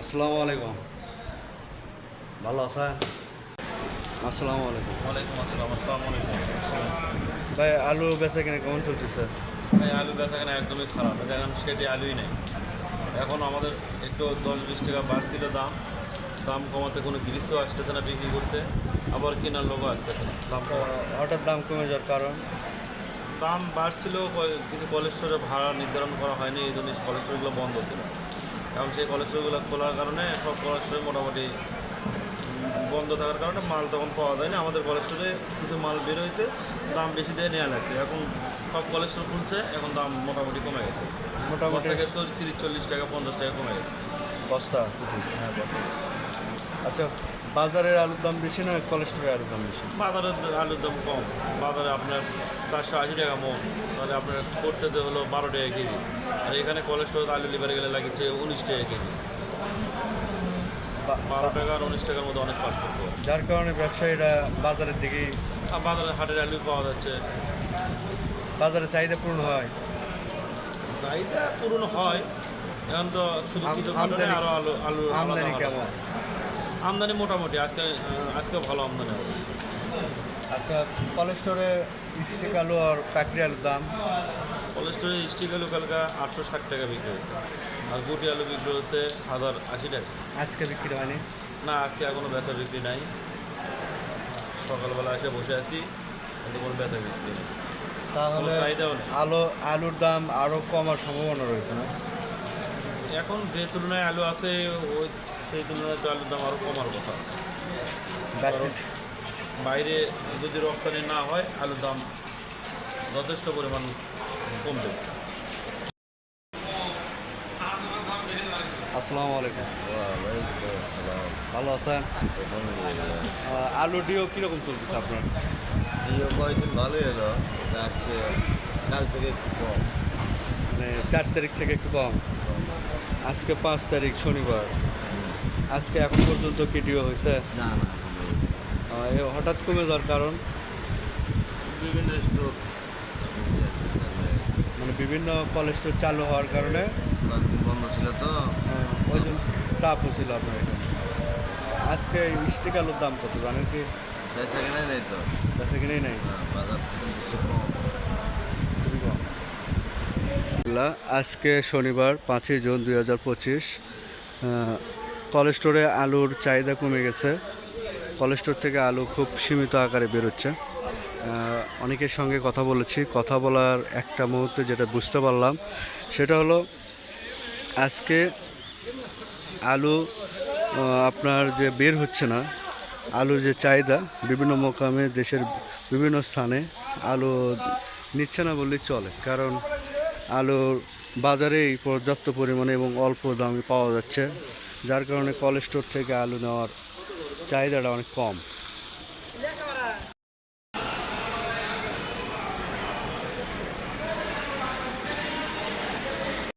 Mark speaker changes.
Speaker 1: আসসালামু আলাইকুম। ভালো আছেন? আসসালামু আলাইকুম।
Speaker 2: ওয়ালাইকুম আসসালাম। আসসালামু আলাইকুম।
Speaker 1: ভাই আলু বেচা কিনা কেমন চলতেছে?
Speaker 2: ভাই আলু বেচা কেনা একদমই খারাপ। এখন সেটি আলুই নেই। এখন আমাদের একটু 10-20 টাকা বাড়ছিল দাম। দাম কমাতে কোনো গৃহস্থ আসতেছে না বিক্রি করতে, আবার কেনার লোকও আসতেছে না দাম
Speaker 1: তো
Speaker 2: কমাতে।
Speaker 1: হঠাৎ দাম কমে যাওয়ার কারণ?
Speaker 2: দাম বাড়ছিল কিন্তু কোল্ড স্টোরে ভাড়া নির্ধারণ করা হয়নি, এই জন্য কোল্ড স্টোরগুলো বন্ধ ছিল। এখন সেই কোল্ড স্টোরগুলো খোলার কারণে সব কোল্ড স্টোরে মোটামুটি বন্ধ থাকার কারণে মাল তখন পাওয়া যায় না। আমাদের কোল্ড স্টোরে কিছু মাল বের হয়েছে, দাম বেশি দিয়ে নেওয়া লাগছে। এখন সব কোল্ড স্টোর খুলছে, এখন দাম মোটামুটি কমে গেছে।
Speaker 1: মোটামুটি
Speaker 2: থেকে তো 30-40 টাকা 50 টাকা কমে গেছে।
Speaker 1: বস্তা?
Speaker 2: হ্যাঁ,
Speaker 1: আচ্ছা, বাজারের আলুর দাম বেশি না কোলেস্টোরের আলুর দাম বেশি?
Speaker 2: বাজারের আলুর দাম কম। বাজারে আপনার 480 টাকা মন, তাহলে আপনার করতেতে হলো 12 টাকা কেজি। আর এখানে কোলেস্টোর আলু লিভারে গেলে লাগছে 19 টাকা কেজি। 12 টাকা আর 19 টাকার মধ্যে অনেক পার্থক্য।
Speaker 1: যার কারণে ব্যবসায়ীরা বাজারের দিকেই,
Speaker 2: আর বাজারে হাটের আলু পাওয়া যাচ্ছে,
Speaker 1: বাজারে চাহিদা পূরণ হয়।
Speaker 2: চাহিদা পূরণ হয়। এখন তো শুধু কিছু কারণে আরও আলু আলু আলাদা
Speaker 1: আমদানি
Speaker 2: আলাদা।
Speaker 1: কেমন?
Speaker 2: আমদানি মোটামুটি আজকে ভালো আমদানি হবে।
Speaker 1: আচ্ছা, কোলেস্টোরে স্টিক আলু আর পাকড়ি আলুর দাম?
Speaker 2: কোল্ড স্টোরে স্টিক আলু কালকা 860 টাকা বিক্রি হচ্ছে, আর গুটি আলু বিক্রি হচ্ছে 1080 টাকা।
Speaker 1: আজকে বিক্রি হয়নি?
Speaker 2: না, আজকে এখনো বেচা বিক্রি নাই। সকালবেলা এসে বসে আছি, কিন্তু কোনো বেচা বিক্রি নেই, কোনো
Speaker 1: তাহলে
Speaker 2: চাহিদাও নেই।
Speaker 1: আলুর দাম আরও কমার সম্ভাবনা রয়েছে না?
Speaker 2: এখন যে তুলনায় আলু আছে, ওই সেই তুলনায় তো আলুর দাম আরও কমার কথা। কারণ বাইরে যদি রপ্তানি না হয়, আলুর দাম যথেষ্ট পরিমাণ কমবে।
Speaker 1: আসসালামু আলাইকুম। ভালো আছেন? আলু কীরকম চলতেছে আপনার?
Speaker 3: কয়েকদিন ভালোই এলো, আজকে কাল থেকে একটু কম।
Speaker 1: মানে 4 তারিখ থেকে একটু কম। আজকে 5 তারিখ শনিবার। আজকে এখন পর্যন্ত কি ডিও হয়েছে?
Speaker 3: না না,
Speaker 1: হঠাৎ কমে যাওয়ার কারণ?
Speaker 3: বিভিন্ন স্টোর
Speaker 1: মানে বিভিন্ন কোলেস্টোর চালু হওয়ার কারণে
Speaker 3: কয়েকদিন বন্ধ ছিল তো।
Speaker 1: ওই জন্য চাপও ছিল আপনার এখানে। আজকে স্টিক আলুর দাম কত জানেন কি?
Speaker 3: সেখানে নেই তো।
Speaker 1: কাছে কিনেই নাই,
Speaker 3: বাজার কিছু কম।
Speaker 1: খুবই কম। আজকে শনিবার 5ই জুন 2025। কোলেস্টোরে আলুর চাহিদা কমে গেছে। কোলেস্টোর থেকে আলু খুব সীমিত আকারে বেরোচ্ছে। অনেকের সঙ্গে কথা বলেছি, কথা বলার একটা মুহূর্তে যেটা বুঝতে পারলাম সেটা হলো আজকে আলু আপনার যে বের হচ্ছে না, আলুর যে চাহিদা বিভিন্ন মোকামে দেশের বিভিন্ন স্থানে আলু নিচ্ছে না বললেই চলে, কারণ আলুর বাজারেই পর্যাপ্ত পরিমাণে এবং অল্প দামে পাওয়া যাচ্ছে, যার কারণে কোল্ড স্টোর থেকে আলু নেওয়ার চাহিদাটা অনেক কম।